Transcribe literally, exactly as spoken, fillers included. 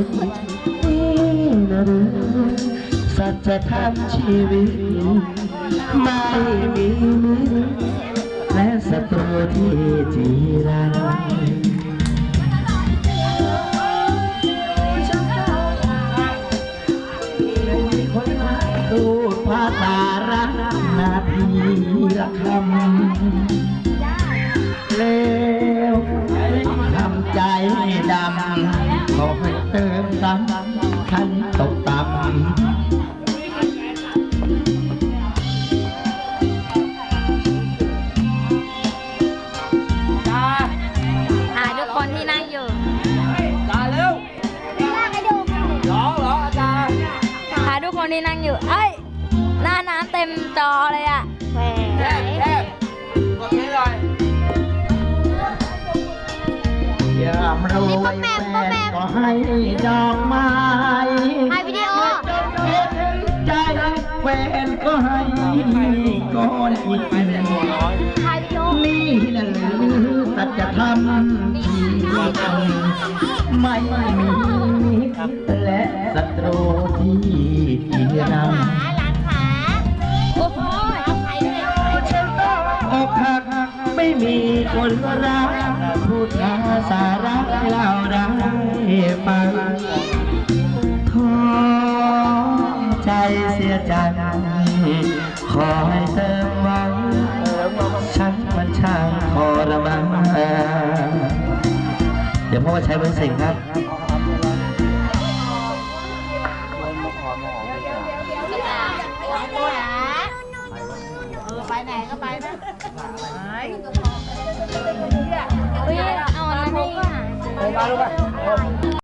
นี่นะหรือสัจธรรมชีวิตไม่มีมิตรและศัตรูที่จีรังดูภาษารักนาทีละคำเลวทำใจดำขอให้เติมซ้ำฉันตกต่ำหาทุกคนที่นั่งอยู่ตาเร็วร้องเหรออาจารย์หาทุกคนที่นั่งอยู่เอ้ยหน้าน้ำเต็มจอเลยอะแหวแทบแทบกดนี้เลยยามเราไว้แฟนก็ให้ดอกไม้ถ่ายวิดีโอเห็นใจแฟนก็ให้ก้อนอิฐถ่ายวิดีโอนี่นั่นหรือสัจธรรมชีวิตไม่มีมิตรและศัตรูที่จีรังโอ้โหอกหักไม่มีคนรักพูดจาสาระเล่าได้ฟังท้อใจเสียใจขอให้เติมหวังฉันมันช่างทรมานเดี๋ยวพ่อใช้เป็นสิ่งครับไปไหนก็ไปนะเฮ้ยเอาอันนั้นให้ไปมาลูกไป